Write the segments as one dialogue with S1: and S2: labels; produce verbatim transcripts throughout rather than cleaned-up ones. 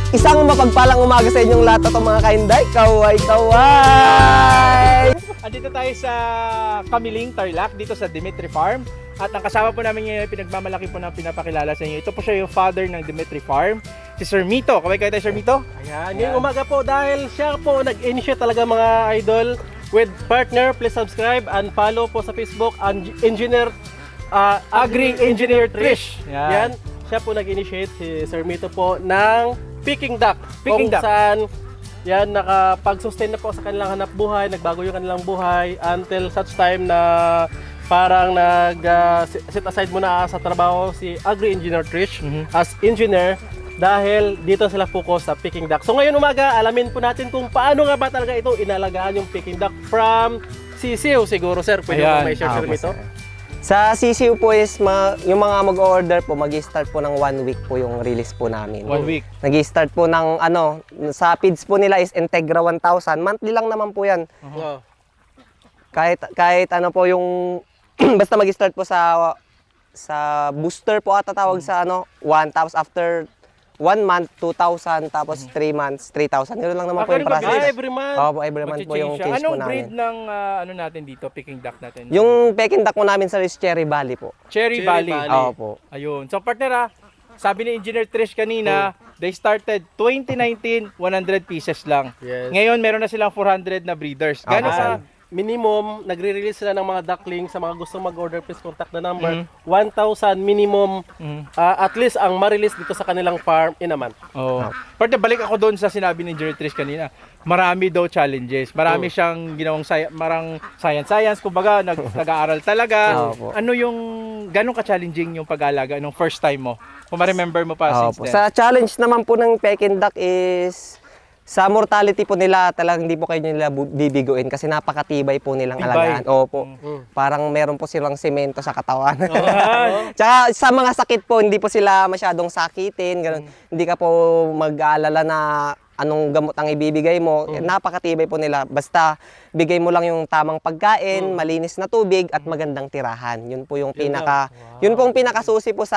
S1: Isang mapagpalang umaga sa inyong lahat at mga kainday. Kaway, kaway!
S2: Andito tayo sa Kamiling, Tarlac, dito sa Dimitri Farm. At ang kasama po namin ngayon, pinagmamalaki po na pinapakilala sa inyo. Ito po siya yung father ng Dimitri Farm, si Sir Mito. Kaway kayo tayo, Sir Mito?
S3: Ayan, ngayong umaga po dahil siya po nag-initiate talaga mga idol with partner. Please subscribe and follow po sa Facebook ang Engineer uh, Agri-Engineer Trish.
S2: Yan.
S3: Yan, siya po nag-initiate si Sir Mito po ng Peking Duck.
S2: Peking
S3: kung
S2: duck.
S3: saan yan nakapag-sustain na po sa kanilang hanap buhay, nagbago yung kanilang buhay until such time na parang nag uh, set aside muna sa trabaho si Agri-Engineer Trish
S2: Mhm.
S3: as engineer dahil dito sila focus sa Peking Duck. So ngayon umaga, alamin po natin kung paano nga ba talaga ito inalagaan yung Peking Duck from sisiw siguro, sir. Pwede
S2: Ayan.
S3: mo may share
S1: Ah,
S3: sir
S1: po,
S3: Mito?
S1: sir. Sa C C U po is, ma- yung mga mag-order po, mag-start po ng one week po yung release po namin.
S2: One week.
S1: Nag-start po ng ano, sa feeds po nila is Integra one thousand. Monthly lang naman po yan.
S3: Wow.
S1: Kahit, kahit ano po yung, basta mag-start po sa sa booster po ata tawag sa ano, one. Tapos after one month, two thousand. Tapos three months, three thousand. Yun lang naman
S2: Ah,
S1: po yung
S2: ganun ba?
S3: Ah,
S1: process.
S3: every month.
S1: Opo, every month po yung
S2: Mag-change siya.
S1: case po
S2: Anong
S1: namin.
S2: breed ng ah, ano natin dito, Peking Duck natin?
S1: Yung Peking Duck po namin sa is Cherry Valley po.
S2: Cherry,
S3: Cherry
S2: Valley.
S3: Valley.
S1: Opo.
S2: Ayun. So partner ah, sabi ni Engineer Trish kanina, they started twenty nineteen, one hundred pieces lang.
S3: Yes.
S2: Ngayon meron na silang four hundred na breeders. Gano'n
S1: Okay.
S2: sa
S3: Ah, minimum, nagre-release sila ng mga ducklings sa mga gustong mag-order. Please contact the number.
S2: Mhm.
S3: one thousand minimum,
S2: Mhm.
S3: ah, at least ang ma-release dito sa kanilang farm in a month.
S2: Oh. Partner, balik ako doon sa sinabi ni Engineer Trish kanina. Marami daw challenges. Marami
S3: Oh.
S2: siyang ginawang sci- marang science-science. Kumbaga, nag, nag-aaral talaga.
S1: Opo.
S2: Ano yung, gano'ng ka-challenging yung pag-aalaga nung first time mo? Kung ma-remember mo pa
S1: Opo.
S2: since then.
S1: Sa challenge naman po ng Peking Duck is sa mortality po nila talagang hindi po kayo nila bu- bibiguin kasi napakatibay po nilang
S2: Tibay.
S1: alagaan. Opo.
S3: Mm.
S1: Parang meron po silang semento sa katawan. Tsaka sa mga sakit po, hindi po sila masyadong sakitin. Ganun. Hindi ka po mag-aalala na anong gamot ang ibibigay mo. Eh, napakatibay po nila. Basta bigay mo lang yung tamang pagkain, malinis na tubig at magandang tirahan. Yun po yung
S3: Yun
S1: pinaka yun po yung pinakasusi po sa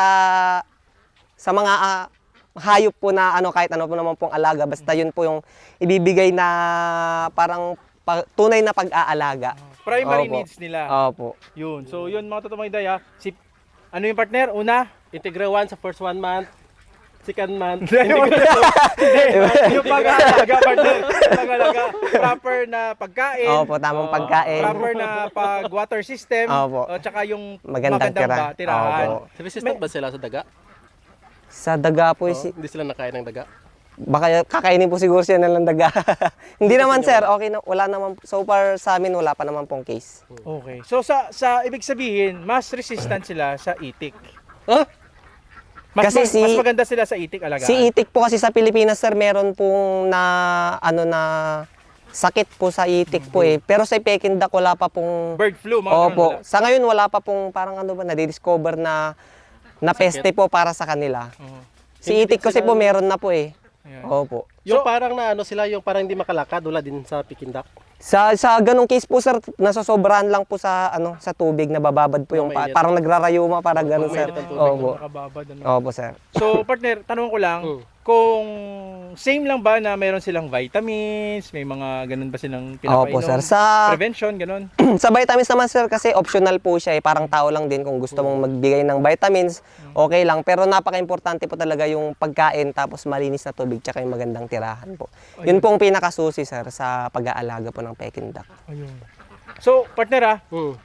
S1: sa mga ah, hayop po na ano kahit ano po naman pong alaga basta yun po yung ibibigay na parang pa- tunay na pag-aalaga.
S2: Primary
S1: Opo.
S2: needs nila.
S1: Opo.
S2: Yun. So, yun mga totoong idea. Si, ano yung partner? Una?
S3: Integra one sa first one month, second month.
S2: Hindi, yung pag-aalaga, partner. Pag-aalaga. Proper na pagkain.
S1: Opo, tamang
S2: Oh,
S1: pagkain.
S2: Proper na pag-water system.
S1: Opo.
S2: O, tsaka yung
S1: Magandang
S2: magandang
S1: tira.
S2: ba, tirahan.
S1: Opo.
S3: Resistant ba sila sa daga?
S1: Sa daga po
S3: Oh,
S1: is,
S3: hindi sila nakain ng daga?
S1: baka kakainin po siguro siya ng daga. Hindi naman sir, okay na, wala naman so far sa amin wala pa naman pong case.
S2: Okay. So, sa sa ibig sabihin, mas resistant sila sa itik.
S3: Huh?
S2: Mas,
S1: Kasi
S2: mas,
S1: si-
S2: mas maganda sila sa itik alagaan.
S1: Si itik po kasi sa Pilipinas sir meron pong na ano na sakit po sa itik po eh. Pero sa Peking Duck wala pa pong
S2: Bird flu, mga ganun
S1: Opo.
S2: wala.
S1: Sa ngayon wala pa pong parang ano ba na-discover na na peste po para sa kanila.
S2: Oo.
S1: Si
S3: Hindi
S1: itik
S3: din
S1: kasi
S3: sila-
S1: po meron na po eh.
S2: Ayan.
S1: Opo.
S3: Yung
S2: So-
S3: parang na ano sila, yung parang hindi makalakad, wala din sa Peking Duck.
S1: Sa sa ganung case po sir, nasosobrahan lang po sa ano sa tubig, nabababad po yung pa,
S3: Mainit.
S1: parang nagrarayuma para ganun sir.
S3: Mainit ang tubig,
S1: Opo.
S2: Nakababad, ano.
S1: Opo sir.
S2: So, partner, tanong ko lang,
S3: Mm.
S2: kung same lang ba na meron silang vitamins, may mga ganun ba silang pinapainom?
S1: Opo sir. Sa
S2: Prevention, ganun?
S1: sa vitamins naman sir kasi optional po siya eh. Parang tao lang din kung gusto mong magbigay ng vitamins, okay lang. Pero napaka-importante po talaga yung pagkain tapos malinis na tubig tsaka yung magandang tirahan po. Yun po ang pinakasusi sir sa pag-aalaga po ng Peking Duck.
S2: Ayun. So, partner ah,
S3: Hmm.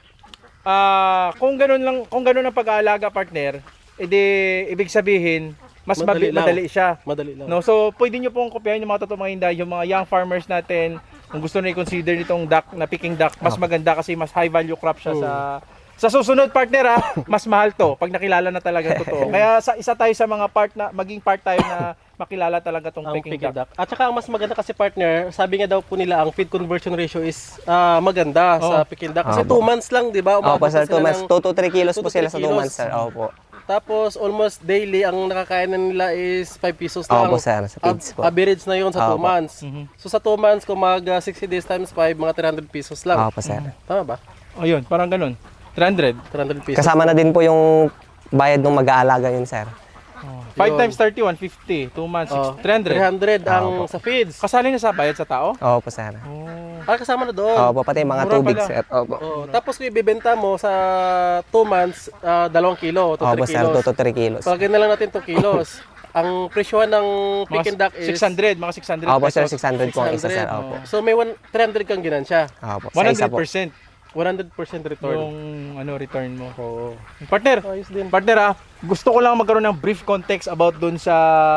S2: ah, kung ganun lang, kung ganun ang pag-aalaga, partner, edi ibig sabihin, mas
S3: Madali
S2: madali,
S3: lang.
S2: madali siya.
S3: Madali lang.
S2: No, so pwede niyo pong kopyahin yung mga totoong mga hinday, yung mga young farmers natin, kung gusto na i-consider nitong duck na Peking duck, mas maganda kasi mas high value crop siya sa sa susunod partner ah, mas mahal to pag nakilala na talaga totoo. Kaya sa isa tayo sa mga part na maging part tayo na makilala talaga tong
S3: Ang
S2: Peking,
S3: Peking
S2: duck.
S3: Duck. At saka ang mas maganda kasi partner, sabi nga daw po nila ang feed conversion ratio is ah, maganda sa
S2: Oh.
S3: Peking Duck. Kasi
S1: Opo.
S3: two months lang, di ba?
S1: Opo
S3: Umabot
S1: sir,
S3: na
S1: two
S3: sila
S1: months.
S3: ng-
S1: two to three kilos
S3: two
S1: po
S3: to
S1: sila
S3: three
S1: sa two
S3: kilos.
S1: months sir. Opo.
S3: Tapos almost daily ang nakakain na nila is five pesos lang.
S1: Opo sir, sa feeds po.
S3: Ab- Average na yun sa two
S1: Opo.
S3: months.
S2: Mhm.
S3: So sa two months, kung mag ah, sixty days times five, mga three hundred pesos lang.
S1: Opo sir.
S3: Tama ba?
S2: Ayun, parang ganun. three hundred.
S3: three hundred pesos.
S1: Kasama na din po yung bayad ng mag-aalaga yun sir.
S2: five
S3: Yun.
S2: times thirty, one fifty. two months,
S3: Oh,
S2: three hundred.
S3: three hundred ang
S1: Opo.
S3: sa feeds.
S2: Kasali na sa bayad sa tao?
S1: Opo, sir.
S2: Oh.
S3: Ah, kasama na doon.
S1: Opo, pati mga
S2: Mura
S1: tubig,
S2: pala.
S1: sir. Opo.
S3: Oh, tapos kung ibebenta mo sa two months, ah, dalawang kilo, to
S1: Opo,
S3: three
S1: sir,
S3: kilos.
S1: two to three kilos.
S3: Pagkakita na lang natin two kilos. Ang presyo ng Peking duck is
S2: six hundred, mga six hundred
S1: Opo, sir,
S2: pesos.
S1: six hundred po ang isa, sir.
S3: six hundred.
S1: Opo.
S3: So may one, three hundred kang ginansya.
S1: Opo, sa
S2: one
S1: isa
S2: hundred
S1: po.
S2: percent
S3: one hundred percent return.
S2: yung ano return mo.
S3: Oo.
S2: Partner,
S3: Ayos din.
S2: partner ah, gusto ko lang magkaroon ng brief context about dun sa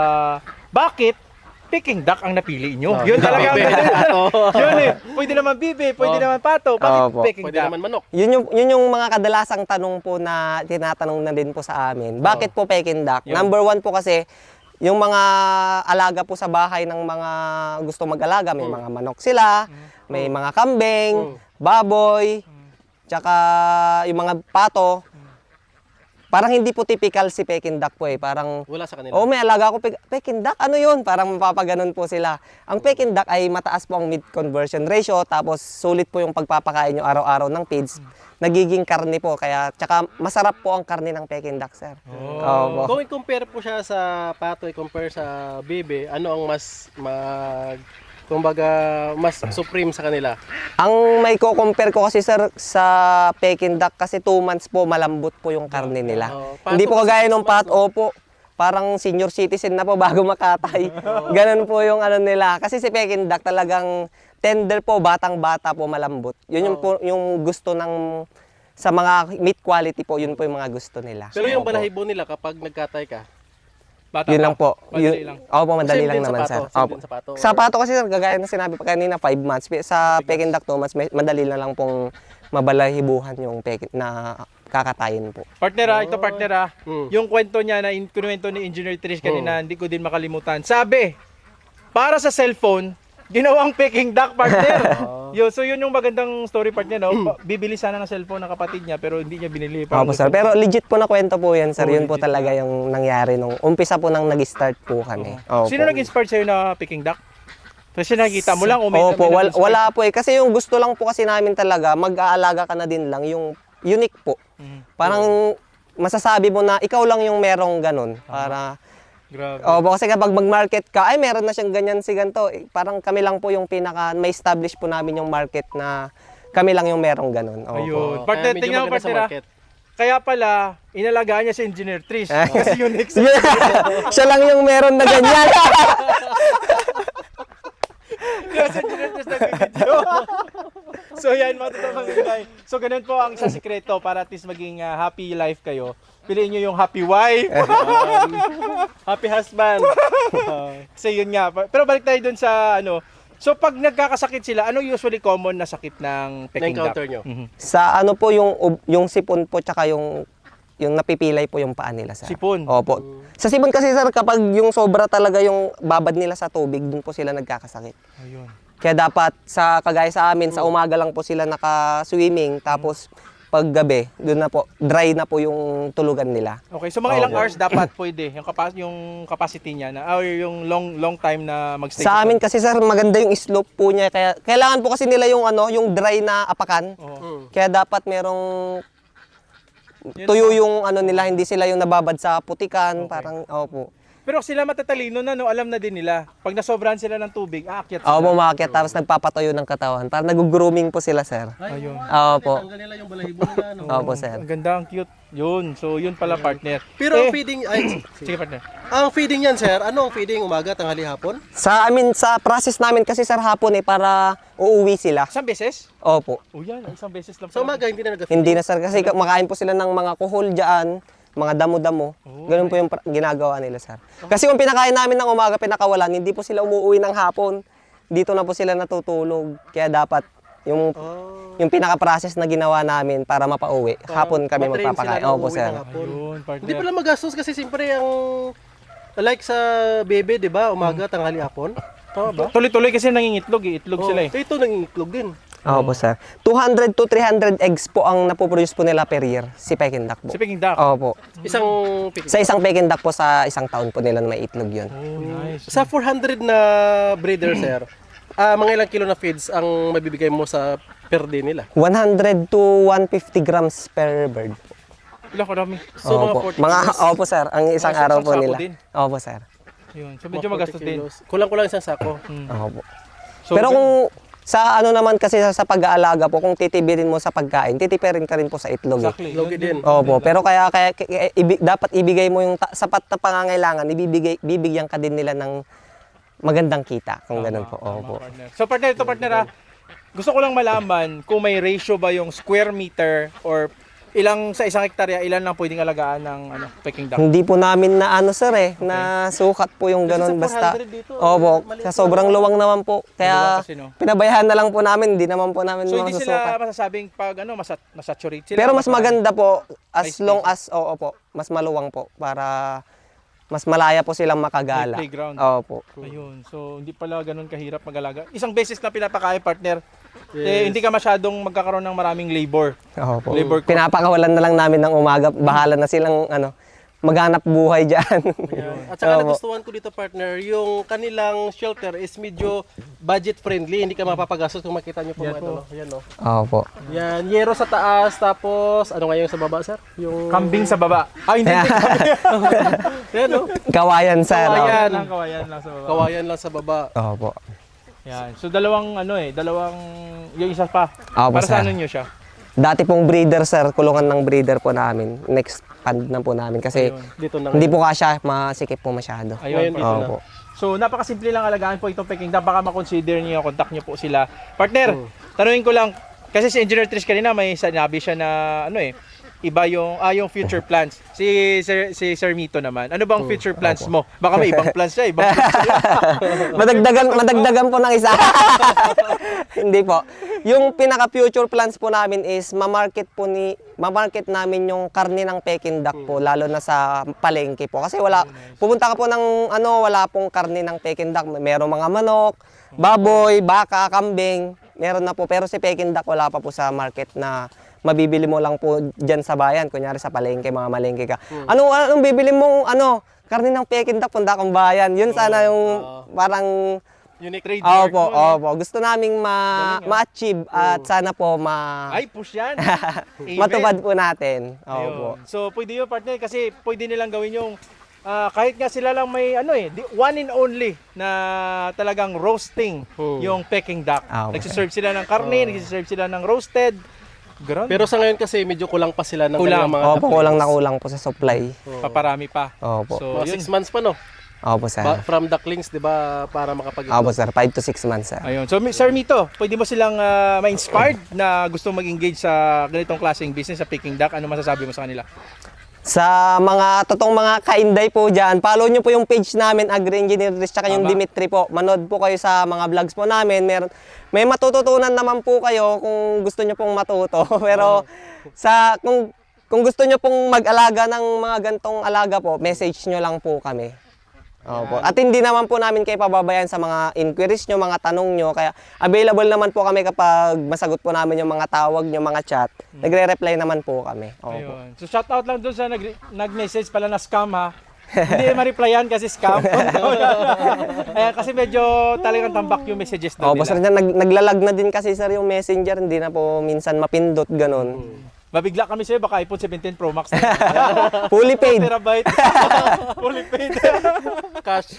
S2: bakit Peking duck ang napili nyo.
S3: Ah,
S2: Yun talaga ang
S3: bibe. Oo.
S2: Yun eh. Pwede naman bibe, pwede
S3: Oh.
S2: naman pato. Bakit
S1: Opo.
S2: Peking
S3: Pwede
S2: duck?
S3: naman manok.
S1: Yun yung, yun yung mga kadalasang tanong po na tinatanong na din po sa amin. Bakit po Peking duck?
S2: Yun.
S1: Number one po kasi, yung mga alaga po sa bahay ng mga gusto mag-alaga, may mga manok sila, may mga kambing, baboy, tsaka yung mga pato. Parang hindi po typical si Peking duck po eh. Parang,
S3: Wala sa kanila.
S1: oh may alaga ko, Pe- Peking duck, ano yun? Parang mapapaganon po sila. Ang Peking duck ay mataas po ang meat conversion ratio, tapos sulit po yung pagpapakain nyo araw-araw ng feeds. Nagiging karne po, kaya tsaka masarap po ang karne ng Peking duck, sir. Opo.
S3: Kung i-compare po siya sa pato, i-compare sa bibe, ano ang mas mag kumbaga mas supreme sa kanila?
S1: Ang may ko-compare ko kasi sir sa Peking duck kasi two months po malambot po yung karne nila.
S3: Oo. Pato
S1: Hindi po
S3: kasi
S1: kagaya
S3: six
S1: nung
S3: months,
S1: pat, opo. Parang senior citizen na po bago makatay. Ganun po yung ano nila. Kasi si Peking duck talagang tender po, batang-bata po, malambot. Yun yung, po, yung gusto ng sa mga meat quality po, yun po yung mga gusto nila.
S3: Pero yung
S1: Opo.
S3: balahibo nila kapag nagkatay ka,
S2: Bata
S1: Yun
S2: pa.
S1: lang po.
S2: Madali
S1: Yun,
S2: lang.
S1: Opo, madali
S3: Same
S1: lang
S3: din sa
S1: naman,
S3: pato,
S1: sir.
S3: same
S1: Opo.
S3: din sa pato,
S1: Sa
S3: or-
S1: pato kasi, sir, kagaya na sinabi pa kanina, five months. Sa Peking duck, two months, may- madali na lang pong mabalahibuhan yung Peking na kakatayin po.
S2: Partner ah, ito partner ah.
S3: Mm.
S2: Yung kwento niya na in- kinuwento ni Engineer Trish kanina, hindi ko din makalimutan. Sabi, para sa cellphone, ginawang Peking duck partner. Yo, so yun yung magandang story partner, no? Pa- Bibili sana ng cellphone ng kapatid niya pero hindi niya binili. Parang
S1: Opo, sir.
S2: gusto-
S1: Pero legit po na kwento po yan, sir.
S2: Oh,
S1: Yun po
S2: legit
S1: talaga yung nangyari nung umpisa po nang nag-start po kami. Opo.
S2: Sino nag-inspire sa'yo na Peking duck? Kasi nakikita mo lang o may
S1: Opo,
S2: may
S1: wala,
S2: nag-inspire?
S1: wala po eh. Kasi yung gusto lang po kasi namin talaga, mag-aalaga ka na din lang, yung unique po.
S2: Mhm.
S1: Parang masasabi mo na ikaw lang yung merong ganun. Para,
S2: Grabe.
S1: opo, kasi kapag mag-market ka, ay meron na siyang ganyan si ganito. Eh, parang kami lang po yung pinaka, may establish po namin yung market na kami lang yung merong ganun. Opo.
S2: Ayun.
S3: Oo,
S2: Partner,
S3: kaya medyo
S2: tingnan mo
S3: maganda sa
S2: partner ah.
S3: market.
S2: Kaya pala, inalagaan niya si Engineer Trish. Kasi yun next.
S1: Siya lang yung meron na ganyan.
S2: Kasi Engineer Trish nag-video. So yan, mga totoo mga guys. So ganun po ang sa sikreto para at least maging ah, happy life kayo. Piliin nyo yung happy wife.
S3: Happy husband.
S2: Kasi yun nga. Pero balik tayo dun sa ano. So pag nagkakasakit sila, ano usually common na sakit ng Peking duck?
S3: Na-encounter nyo.
S2: Mhm.
S1: Sa ano po yung ub- yung sipon po tsaka yung yung napipilay po yung paa nila, sir.
S2: Sipon.
S1: Opo. Sa sipon kasi, sir, kapag yung sobra talaga yung babad nila sa tubig, dun po sila nagkakasakit.
S2: Ayun.
S1: Kaya dapat sa kagaya sa amin, sa umaga lang po sila naka-swimming, tapos pag gabi, dun na po, dry na po yung tulugan nila.
S2: Okay, so mga ilang
S1: Opo.
S2: hours dapat pwede yung kapas yung capacity niya na or yung long long time na magstay.
S1: Sa amin kasi, sir, maganda yung slope po niya, kaya kailangan po kasi nila yung ano, yung dry na apakan.
S2: Oo.
S3: Mm.
S1: Kaya dapat merong tuyo yung ano nila, hindi sila yung nababad sa putikan, parang opo.
S2: Pero sila matatalino na no, alam na din nila. Pag nasobrahan sila ng tubig, aakyat sila.
S1: Opo, umakyat tapos nagpapatuyo ng katawan. Parang nag-grooming po sila, sir.
S2: Ayun.
S1: Opo.
S3: Tanggal nila yung balahibo nila. No?
S1: Opo, sir.
S2: Ang ganda, ang cute. Yun. So yun pala partner.
S3: Pero ang
S2: Eh,
S3: feeding, ay,
S2: sige partner.
S3: ang feeding yan, sir, ano ang feeding? Umaga, tanghali, hapon?
S1: Sa amin, sa process namin kasi, sir, hapon eh, para uuwi sila.
S2: Isang beses?
S1: Opo.
S2: O yan, isang beses lang.
S3: Sa
S2: pala.
S3: umaga, hindi na nag
S1: Hindi na, sir, kasi makain po sila ng mga kuhol dyan, mga damo-damo. Ganun po yung pra- ginagawa nila, sir. Kasi kung pinakain namin ng umaga, pinakawalan, hindi po sila umuwi ng hapon. Dito na po sila natutulog. Kaya dapat yung
S3: Oh.
S1: yung pinaka-process na ginawa namin para mapauwi, hapon kami
S3: Matrain
S1: magpapakain.
S3: sila na
S1: Opo,
S3: umuwi
S1: sir.
S3: ng hapon.
S2: Ayun, partner.
S3: Hindi pala magastos kasi siyempre ang like sa bebe, 'di ba? Umaga, tanghali, hapon. Tama ba?
S2: Tuloy-tuloy kasi nangingitlog eh. Itlog
S3: Oh,
S2: sila eh.
S3: Ito nangingitlog din.
S1: Opo, sir. two hundred to three hundred eggs po ang napoproduce po nila per year, si Peking duck po.
S2: Si Peking duck.
S1: Opo.
S3: Isang pick.
S1: Sa isang Peking duck po, sa isang taon po nila na may itlog yun.
S2: Oh, nice.
S3: Sa four hundred na breeder, sir, ah mga ilang kilo na feeds ang mabibigay mo sa per day nila?
S1: one hundred to one hundred fifty grams per bird po.
S2: Ilang karami?
S3: So, mga
S1: Opo.
S3: forty
S1: Mga,
S3: kilos.
S1: opo sir, ang isang
S2: Mga
S1: araw
S2: isang
S1: po
S2: sako
S1: nila.
S2: din.
S1: Opo sir.
S2: Yun. So
S3: Mga
S2: medyo
S3: forty
S2: magastos din.
S3: kilos. Kulang-kulang isang sako.
S2: Mm.
S1: Opo.
S2: So,
S1: Pero
S2: gan-
S1: kung sa ano naman kasi sa, sa pag-aalaga po, kung titibirin mo sa pagkain, titipirin ka rin po sa itlog. Eh.
S2: Exactly.
S3: Logi
S2: Yun
S3: din.
S1: Opo, pero kaya kaya, kaya ibi- dapat ibigay mo yung ta- sapat na pangangailangan, ibibigay bibigyan ka din nila ng magandang kita kung ganun po.
S2: Tama,
S1: Opo.
S2: partner. So partner, ito partner ah, gusto ko lang malaman kung may ratio ba yung square meter or ilang sa isang hektarya, ilan lang pwedeng alagaan ng ano, Peking duck.
S1: Hindi po namin na ano sir eh, na sukat po yung
S3: Kasi
S1: ganun
S3: sa
S1: basta.
S3: four hundred dito,
S1: Opo,
S3: maliit
S1: sa
S3: lang
S1: sobrang
S3: naman.
S1: luwang naman po.
S2: Luwang
S1: Kaya
S2: kasi, no?
S1: pinabayaan na lang po namin, hindi naman po namin
S2: So hindi
S1: masusukat.
S2: sila masasabing pag ano, masat masaturate sila.
S1: Pero mas maganda po as
S2: May
S1: long
S2: space.
S1: as oo po, mas maluwang po para mas malaya po silang makagala.
S2: May playground.
S1: Opo.
S2: Ayun. So hindi pala ganun kahirap mag-alaga. Isang beses na pinapakain partner.
S3: Yes.
S2: Eh, hindi ka masyadong magkakaroon ng maraming labor.
S1: Opo.
S2: Labor cost.
S1: Pinapakawalan na lang namin ng umaga, bahala na silang ano, maghanap buhay diyan.
S3: At saka
S1: Opo.
S3: nagustuhan ko dito partner, yung kanilang shelter is medyo budget friendly, hindi ka mapapagastos kung makita niyo po
S2: Yan
S3: mga
S2: po.
S3: ito. no? Yan no.
S1: Opo.
S3: Yan, yero sa taas, tapos ano nga yung sa baba sir? Yung
S2: Kambing sa baba. Ah, hindi.
S3: Yan no.
S1: Kawayan sir.
S3: Kawayan.
S2: Kawayan lang, kawayan lang sa baba.
S3: Kawayan lang sa baba.
S1: Opo.
S2: Yan. So dalawang ano eh, dalawang yung isa pa.
S1: Opo,
S2: Para sa
S1: sir.
S2: ano nyo siya?
S1: Dati pong breeder sir, kulungan ng breeder po namin. Next pand na po namin kasi
S2: Ayun.
S3: Dito na.
S1: hindi po kasya, masikip po masyado.
S2: Ayun.
S3: Ngayon dito na.
S1: Opo.
S2: So napakasimple lang alagaan po itong Peking duck. Baka ma-consider niyo, contact niyo po sila. Partner,
S3: Hmm.
S2: tanungin ko lang kasi si Engineer Trish kanina may sinabi siya na ano eh, iba yung ah yung future plans. Si Sir si Sir Mito naman. Ano bang future plans mo? Baka may ibang plans siya, ibang plans siya.
S1: madagdagan, madagdagan po ng isa. Hindi po. Yung pinaka future plans po namin is ma-market po ni ma-market namin yung karne ng Peking duck po lalo na sa palengke po. Kasi wala pupunta ka po ng ano, wala pong karne ng Peking duck. Merong mga manok, baboy, baka, kambing. Meron na po pero si Peking duck wala pa po sa market na mabibili mo lang po diyan sa bayan, kunyari sa palengke, mga malengke ka. Anong anong bibili mong ano, karne ng Peking duck punta kang bayan. Yun sana yung parang
S3: Unique
S2: Trademark
S1: opo,
S2: mo, no?
S1: opo. Gusto naming ma, ma-achieve at sana po ma,
S2: Ay, push yan. Amen.
S1: matupad po natin.
S2: Ayun.
S1: Opo.
S2: So pwede yun partner kasi pwede nilang gawin yung ah, kahit nga sila lang may ano eh, di- one and only na talagang roasting
S3: Hmm.
S2: yung Peking duck.
S1: Ah, okay.
S2: Nagsiserve sila ng karne, nagsiserve sila ng roasted. Grabe.
S3: Pero sa ngayon kasi medyo kulang pa sila ng
S2: Kulang.
S3: kanilang mga
S1: Opo, kulang na kulang po sa supply.
S2: paparami pa.
S1: Opo.
S2: So,
S3: mga
S2: yun.
S3: six months pa no?
S1: Opo, sir.
S3: Ba- from ducklings, di ba, para makapag
S1: Opo, sir. five to six months, sir.
S2: Ayun. So, Mi- Sir Mito, pwede mo silang ah, ma-inspired na gusto mag-engage sa ganitong klaseng business sa Peking duck? Ano masasabi mo sa kanila?
S1: Sa mga totoong mga kainday po dyan, follow nyo po yung page namin, Agri Engineer Riz, tsaka yung
S2: Tama.
S1: Dimitri po. Manood po kayo sa mga vlogs po namin. Meron, may matututunan naman po kayo kung gusto nyo pong matuto. Pero sa kung kung gusto nyo pong mag-alaga ng mga gantong alaga po, message nyo lang po kami. Opo. At hindi naman po namin kayo pababayan sa mga inquiries nyo, mga tanong nyo. Kaya available naman po kami kapag masagot po namin yung mga tawag nyo, mga chat. Nagre-reply naman po kami. Opo.
S2: Ayun. So, shout out lang doon sa nag- nag-message pala na scam ha. Hindi ma-replyan kasi scam. Ayan, kasi medyo talagang tambak yung messages doon
S1: Opo, sir,
S2: nila.
S1: nag, naglalag na din kasi sir yung messenger, hindi na po minsan mapindot, ganun.
S2: Mabigla kami sa'yo, baka iPhone seventeen Pro Max na.
S1: Fully paid.
S2: Terabyte. Fully paid.
S3: cash.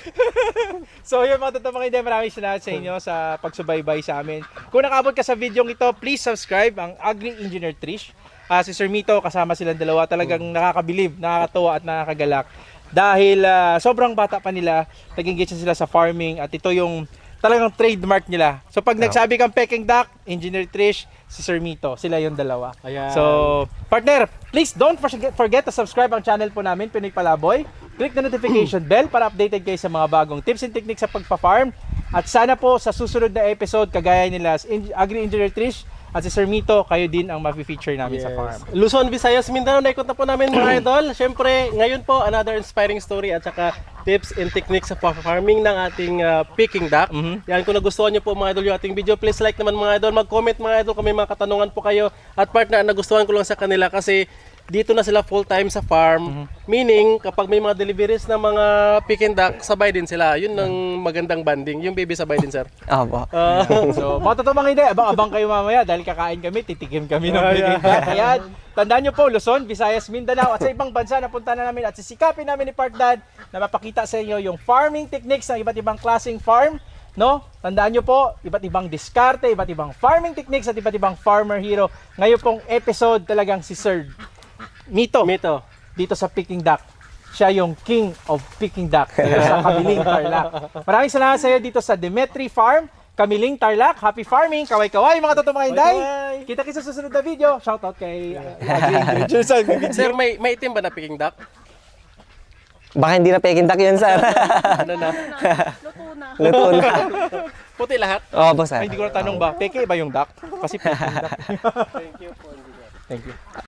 S2: So yun mga totoong mga hindi, maraming salamat sa inyo sa pagsubaybay sa amin. Kung nakabot ka sa video ito, please subscribe ang Agri Engineer Trish. Ah, si Sir Mito, kasama silang dalawa, talagang nakakabilib, nakakatuwa at nakakagalak. Dahil ah, sobrang bata pa nila, nag-engage na sila sa farming at ito yung talagang trademark nila. So pag nagsabi kang Peking duck, Engineer Trish, si Sir Mito, sila yung dalawa.
S3: Ayan.
S2: So, partner, please don't forget, forget to subscribe ang channel po namin, Pinoy Palaboy. Click the notification bell para updated kayo sa mga bagong tips and techniques sa pagpa-farm. At sana po sa susunod na episode, kagaya nila si Agri Engineer Trish at si Sir Mito, kayo din ang ma-feature namin sa farm.
S3: Luzon, Visayas, Mindanao, naikot na po namin mga idol. Siyempre, ngayon po, another inspiring story at saka tips and techniques sa farming ng ating uh, Peking duck.
S2: Mhm.
S3: Yan, kung nagustuhan nyo po mga idol yung ating video, please like naman mga idol. Mag-comment mga idol kung may mga katanungan po kayo. At partner, nagustuhan ko lang sa kanila kasi dito na sila full-time sa farm. Meaning, kapag may mga deliveries ng mga Peking duck, sabay din sila. Yun ang magandang banding. Yung baby sabay din, sir.
S1: Opo.
S3: Ah,
S2: So, mga totoo mga hindi, abang-abang kayo mamaya dahil kakain kami, titikim kami ng Peking duck. Ayan, tandaan nyo po, Luzon, Visayas, Mindanao at sa ibang bansa na punta na namin at sisikapin namin ni Park Dad na mapakita sa inyo yung farming techniques ng iba't ibang klaseng farm. No? Tandaan nyo po, iba't ibang diskarte, iba't ibang farming techniques at iba't ibang farmer hero. Ngayon pong episode talagang si Sir Mito,
S3: Mito.
S2: dito sa Peking Duck. Siya yung king of Peking Duck dito sa Kamiling, Tarlac. Maraming salamat sa iyo dito sa Demetri Farm, Kamiling, Tarlac. Happy farming! Kaway-kaway mga totoong mga hinday!
S3: Kaway-kaway!
S2: Kita kita sa susunod na video. Shoutout kay uh, Adrian Richardson.
S3: Sir, may, may itim ba na Peking duck?
S1: Baka hindi na Peking duck yun, sir.
S3: Ano na?
S1: Luto na.
S3: Puti lahat?
S1: Opo, sir.
S2: Ay, hindi ko na tanong ba, peke ba yung duck? Kasi Peking Duck. Thank you. Thank you.